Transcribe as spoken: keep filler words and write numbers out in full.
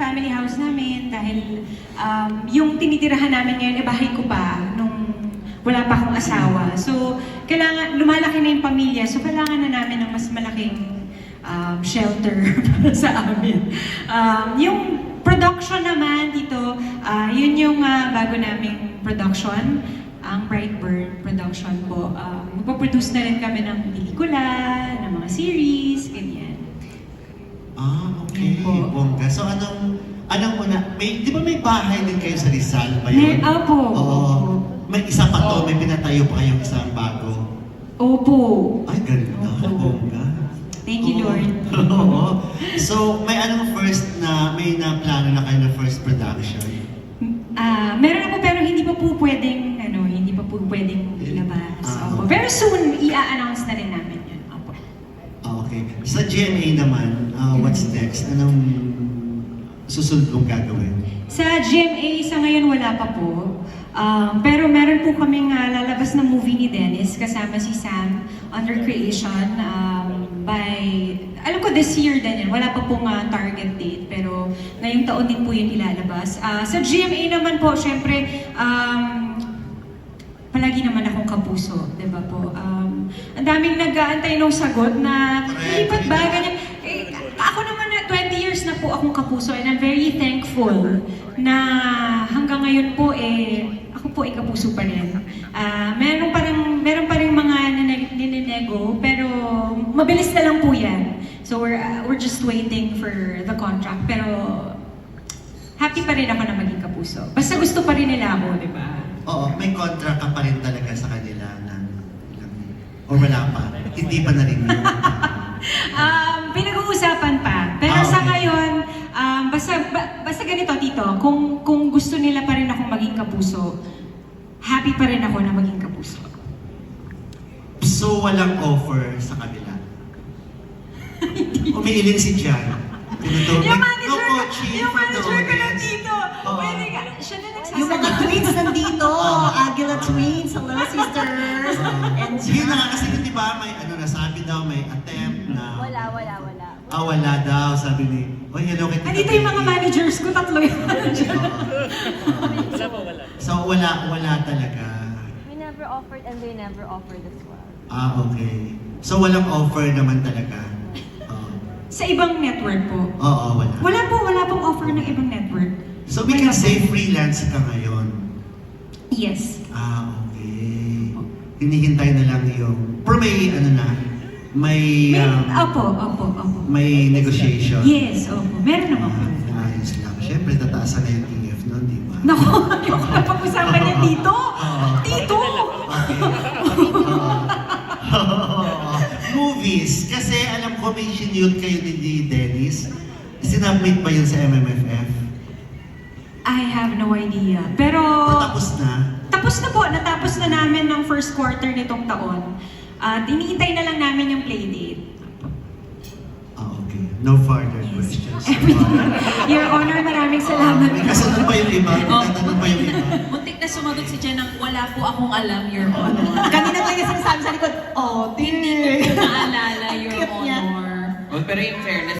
family house namin dahil um, yung tinitirahan namin ngayon, eh, bahay ko pa nung wala pa akong asawa. So, kailangan, lumalaki na yung pamilya, so kailangan na namin ng mas malaking um, shelter para sa amin. Um, yung production naman dito, uh, yun yung uh, bago naming production, ang Brightburn production po. Um, magpaproduce na rin kami ng pelikula, ng mga series, ganyan. Ah, okay. Bongga. So anong, anong una, may, di ba may bahay din kayo sa Rizal ba yun? May, opo. Oo. May isa pa to, may pinatayo pa kayong isang bago. Opo. Ay, ganda. Bongga. Thank you, Lord. Oo. So, may anong first na, may na plano na kayo na first production? Ah, meron na po pero hindi pa po pwedeng, ano, hindi pa po pwedeng ilabas. Ah, Opo. okay. Very soon, i-announce na rin namin yun. Opo. Ah, okay. Sa G M A naman, uh, what's next? Anong susunod mong gagawin? Sa G M A, sa ngayon wala pa po. Um, pero meron po kaming uh, lalabas na movie ni Dennis kasama si Sam under creation um, by, alam ko this year din yan, wala pa pong uh, target date pero ngayong taon din po yun ilalabas. Uh, sa G M A naman po, syempre, um, palagi naman akong kapuso, di ba po? Um, ang daming nag-aantay ng sagot na, lipat ba, ganyan. Eh, ako naman na twenty years na po akong kapuso and I'm very thankful na hanggang ngayon po eh, ako po ay kapuso pa rin. Uh, meron pa rin, meron pa rin mga ninenego, pero mabilis na lang po yan. So we're, uh, we're just waiting for the contract. Pero happy pa rin ako na maging kapuso. Basta gusto pa rin nila ako, di ba? Oo, may contract ka pa rin talaga sa kanila na, o wala pa? Hindi pa narinig. um, pinag-uusapan pa. Pero Ah, okay. sa ngayon, um, basta, ba, basta ganito, Tito, kung, kung gusto nila pa rin akong maging kapuso, happy pa rin ako na maging kapuso. So, walang offer sa kanila? Umiiling si Jan. Tinutuloy. Yung manager, No coaching yung for the manager ko lang audience. dito, Oo. pwede ka, siya na nagsasagot. Yung mga twins nandito, Aguila twins, hello sisters. And Yun na nga kasi di ba, may ano nasabi daw, may attempt na... Wala, wala, wala. Ah, wala daw, sabi ni... Oy, hello kay Tita Andito yung mga Peggy." managers ko, tatlo yung manager. Wala pa, wala. So, wala, wala talaga. We never offered and they never offered as well. Ah, okay. So, walang offer naman talaga. Oo. Sa ibang network po. Oo, wala. Wala po, wala pong offer ng ibang network. So, we can say freelance ka ngayon. Yes. Ah, okay. Hinihintay na lang yung... Pero may, ano na, may... May, um, opo, opo, opo. may negotiation. Yes, opo. Meron naman po. Ah, ayos lang. Siyempre, tataasan na yung T F nun, di ba? Naku, yung napag-usapan niya dito. Oo. Dito! Okay. Oo. Movies. Kasi alam ko may sinute kayo ni Dennis. Sinubmit ba yun sa M M F F? I have no idea. Pero... Tapos na? Tapos na po. Natapos na namin ng first quarter nitong taon. At iniintay na lang namin yung playdate. Ah, okay. No further Yes. questions. Your Honor, maraming salamat. May kasunod pa yung iba. May tatanong pa yung iba. Muntik na sumagot si Jen ng wala po akong alam, Your Honor. kanina talaga sinasabi sa likod, oh, Hindi ko dear. po naalala, Your Cute niya. Honor. Well, pero in fairness,